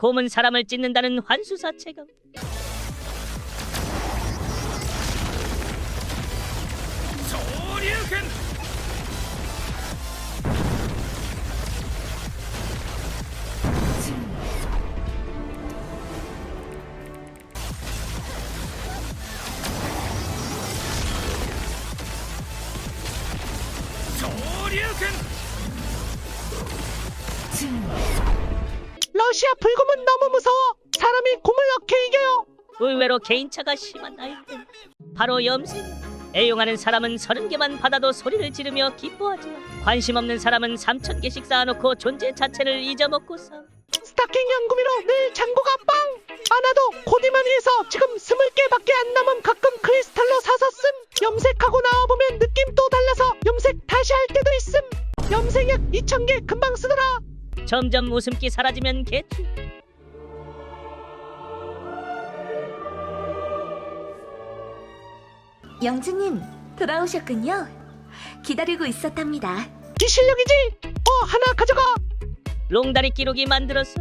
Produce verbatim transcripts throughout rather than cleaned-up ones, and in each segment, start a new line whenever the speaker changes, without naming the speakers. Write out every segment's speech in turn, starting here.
곰은 사람을 찢는다는 환수사 체감.
러시아 불곰은 너무 무서워. 사람이 곰을 어떻게 이겨요?
의외로 개인차가 심한 아이템. 바로 염색. 애용하는 사람은 서른 개만 받아도 소리를 지르며 기뻐하지만 관심 없는 사람은 삼천 개씩 쌓아놓고 존재 자체를 잊어먹고 싸.
스타킹 연구미로 늘 잔고가 빵! 많아도 고디마니에서 지금 스물 개밖에 안 남은. 가끔 크리스탈로 사서 씀. 염색하고 나와보면 느낌 또 달라서 염색 다시 할 때도 있음. 염색약 이천 개 금방 쓰더라.
점점 웃음기 사라지면 개추.
영주님, 돌아오셨군요. 기다리고 있었답니다.
이 실력이지? 어, 하나 가져가.
롱다리 끼룩이 만들었어.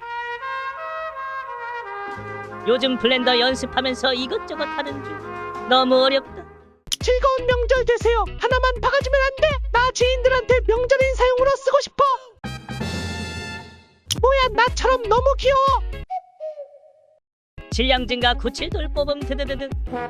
요즘 블렌더 연습하면서 이것저것 하는 중. 너무 어렵다.
즐거운 명절 되세요. 하나만 박아주면 안 돼? 나 지인들한테 명절 인사용으로 쓰고 싶어. 뭐야, 나처럼 너무 귀여워.
질량 증가 구칠돌 뽑음 드드드드.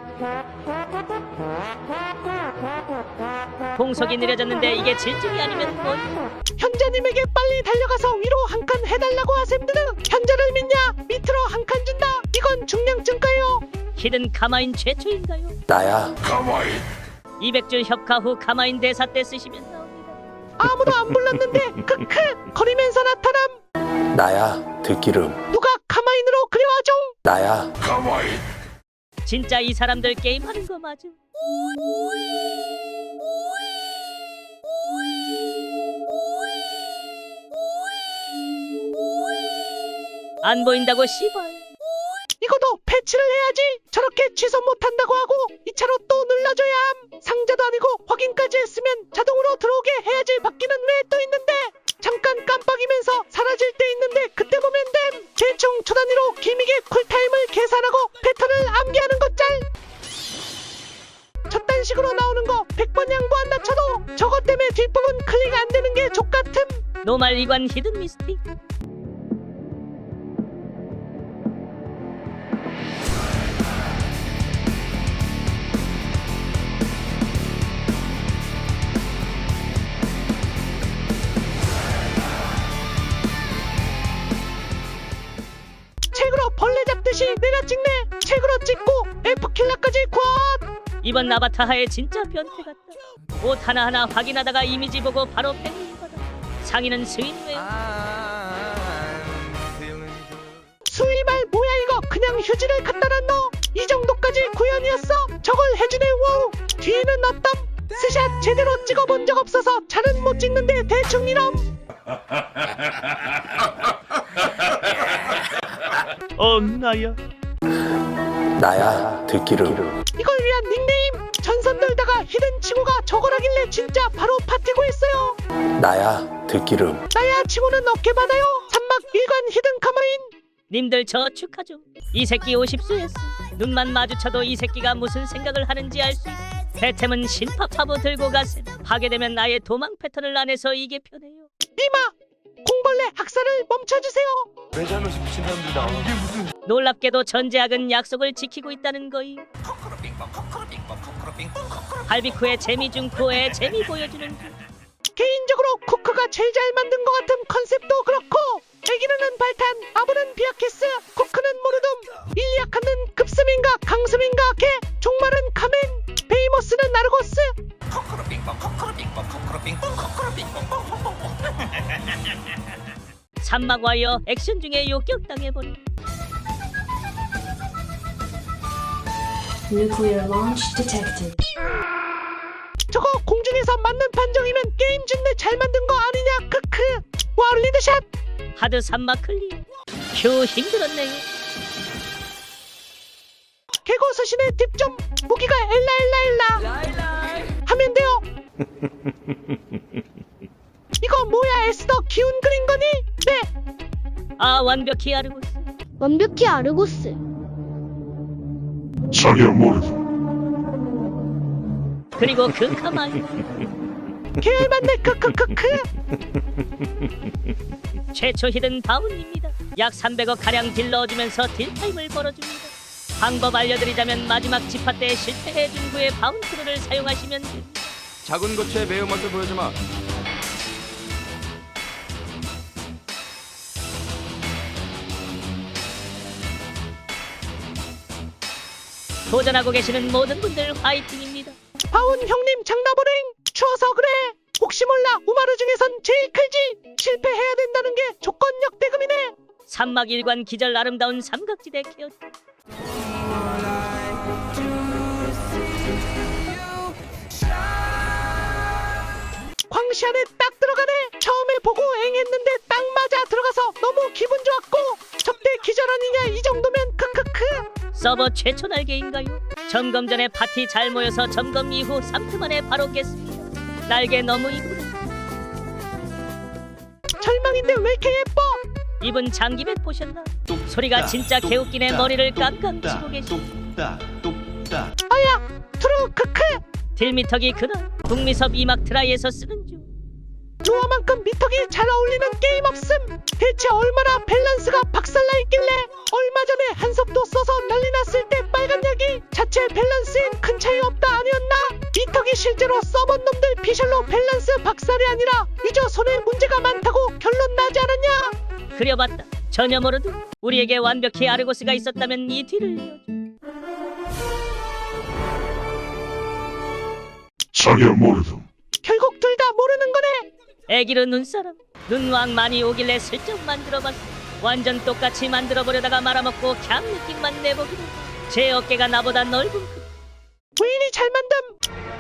공속이 느려졌는데 이게 질증이 아니면 뭔.
현자님에게 빨리 달려가서 위로 한 칸 해달라고 하셈드드. 현자를 믿냐? 밑으로 한 칸 준다. 이건 중량증가요.
히든 카마인 최초인가요?
나야 가와이.
이백 줄 협카 후 카마인 대사 때 쓰시면 나옵니다.
아무도 안 불렀는데 크크 거리면서 나타남.
나야 들기름.
누가 카마인으로 그려와줘.
나야 가와이.
진짜 이 사람들 게임하는 거 맞음? 안 보인다고 씨발.
이거도 패치를 해야지. 저렇게 취소 못한다고 하고 이 차로 또 눌러줘야 함. 상자도 아니고 확인까지 했으면 자동으로 들어오게 해야지. 바뀌는 왜 또 있는데. 잠깐 깜빡이면서 사라질 때 있는데 그때 보면 됨. 대충 초 단위로 기믹의 쿨타임을 계산하고 패턴을 암기하는 것 짤. 저딴 식으로 나오는 거 백 번 양보한다 쳐도 저것 때문에 뒷부분 클릭 안 되는 게 족같음.
노말 이관 히든 미스틱.
책으로 벌레 잡듯이 내가 찍네. 책으로 찍고 F킬러까지 쿼.
이번 아바타하의 진짜 변태 같다. 옷 하나하나 확인하다가 이미지 보고 바로 팬링 받아. 상의는 스윙웨어.
수위말 뭐야 이거. 그냥 휴지를 갖다 놨노. 이 정도까지 구현이었어. 저걸 해주네. 와우. 뒤에는 어떤 스샷 제대로 찍어본 적 없어서 잘은 못 찍는데 대충 이럼.
어 나야.
나야 들기름.
이걸 위한 닉네임. 전선 돌다가 히든 치고가 저걸 하길래 진짜 바로 파티고 했어요.
나야 들기름.
나야 치고는 어깨 받아요. 산막 일관 히든 카마인.
님들 저 축하 좀. 이 새끼 오십 수였어. 눈만 마주쳐도 이 새끼가 무슨 생각을 하는지 알 수 있어. 배템은 신파파보 들고 가셈. 하게 되면 아예 도망 패턴을 안 해서 이게 편해요.
니마 공벌레 학살을 멈춰주세요.
내 잘못이 미친 사람들이 나와. 이게 무슨?
놀랍게도 전제학은 약속을 지키고 있다는 거이. 발비쿠의 재미 중 코에 재미 보여주는 중.
개인적으로 쿠크가 제일 잘 만든 것 같은 컨셉도 그렇고. 애기는 발탄, 아부는 비아키스, 쿠크는 모르둠, 일리아카는 급스민가 강스민가 개, 종말은 카멘, 베이모스는 나르고스.
산막 와이어 액션 중에 욕격당해버린.
Nuclear launch detected.
저거 공중에서 맞는 판정이면 게임 준내 잘 만든 거 아니냐. 크크. 와 리드샷.
하드 산막 클리어. 휴 힘들었네요.
개고 서신의 팁좀. 무기가 엘라 엘라 엘라 하면 돼요. 이거 뭐야. 에스더 기운 그린 거니? 네.
아 완벽히 아르고스.
완벽히 아르고스.
전혀 모르고
그리고 그 카마이.
개 맞네. 크크크크.
최초 히든 바운입니다. 약 삼백억 가량 딜 넣어주면서 딜타임을 벌어줍니다. 방법 알려드리자면 마지막 지파 때 실패해준 후에 바운트를 사용하시면 됩니다.
작은 고추의 매운맛을 보여주마.
도전하고 계시는 모든 분들 화이팅입니다.
바운 형님 장나보랭. 추워서 그래. 혹시 몰라 우마르 중에선 제일 크지. 실패해야 된다는 게 조건력 대금이네.
산막 일관 기절 아름다운 삼각지대 케어.
광시 안에 딱 들어가네. 처음에 보고 앵했는데 딱 맞아 들어가서 너무 기분 좋았고 접대 기절 아니냐 이 정도면 크크크.
서버 최초 날개인가요? 점검 전에 파티 잘 모여서 점검 이후 삼 트 만에 바로 깼습니다. 날개 너무 이쁘다.
절망인데 왜 이렇게 예뻐?
이분 장기백 보셨나? 소리가 진짜 개웃기네. 머리를 깡깡 치고 계시.
아야 트루 크크.
딜미터기 그날 북미섭 이막 트라이에서 쓰는 중.
노아만큼 미터기 잘 어울리는 게임 없음. 대체 얼마나 밸런스가 박살나 있길래 얼마 전에 한섭도 써서 난리 났을 때 빨간 약이 자체 밸런스엔 큰 차이 없다 아니었나? 미터기 실제로 써본 놈들 피셜로 밸런스 박살이 아니라 유저 손에 문제가 많다고 결론 나지 않았냐?
그려봤다. 전혀 모르도 우리에게 완벽히 아르고스가 있었다면 이 뒤를 이어줘.
전혀 모르고
결국 둘 다 모르는 거네.
애기로 눈사람 눈왕 많이 오길래 슬쩍 만들어봤어. 완전 똑같이 만들어보려다가 말아먹고 걍 느낌만 내보기로. 제 어깨가 나보다 넓은 그
왜 이리 잘 만듦?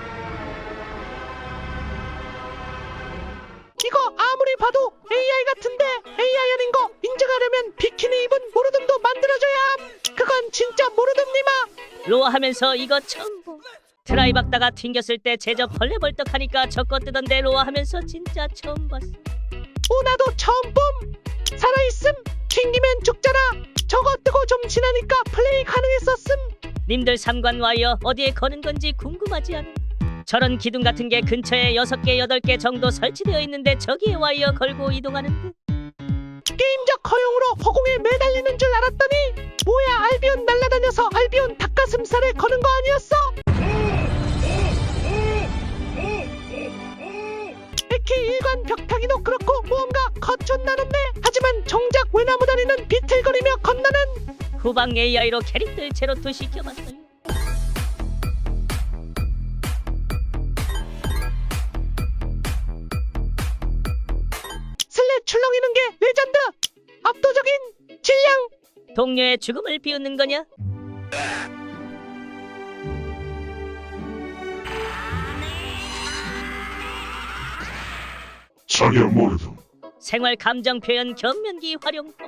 이거 아무리 봐도 에이아이 같은데 에이아이 아닌 거 인증하려면 비키니 입은 모르듬도 만들어줘야 함. 그건 진짜 모르듬니마.
로아 하면서 이거 처음 보. 트라이 박다가 튕겼을 때 제저 벌레 벌떡하니까 저거 뜨던데 로아 하면서 진짜 처음 봤어.
오 나도 처음 봄. 살아있음. 튕기면 죽잖아. 저거 뜨고 좀 지나니까 플레이 가능했었음.
님들 삼관 와이어 어디에 거는 건지 궁금하지 않음? 저런 기둥 같은 게 근처에 여섯 개 여덟 개 정도 설치되어 있는데 저기에 와이어 걸고 이동하는 듯.
게임적 허용으로 허공에 매달리는 줄 알았더니 뭐야 알비온 날아다녀서 알비온 닭가슴살에 거는 거 아니었어? 에키 일관 벽타기도 그렇고 뭔가 거쳤나는데 하지만 정작 외나무 다리는 비틀거리며 건너는.
후방 에이아이로 캐릭들 제로투 시켜봤어요.
슬래 출렁이는 게 레전드. 압도적인 질량.
동료의 죽음을 비웃는 거냐?
전혀 모르고
생활 감정 표현 견면기 활용법.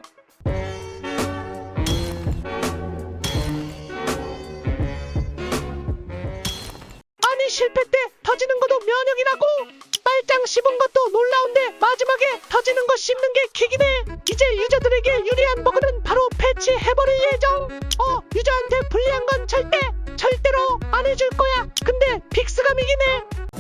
아니 실패 때 터지는 것도 면역이라고. 빨장 씹은 것도 놀라운데 마지막에 터지는 거 씹는 게 킥이네. 이제 유저들에게 유리한 버그는 바로 패치해버릴 예정. 어 유저한테 불리한 건 절대 절대로 안 해줄 거야. 근데 빅스감이긴 해.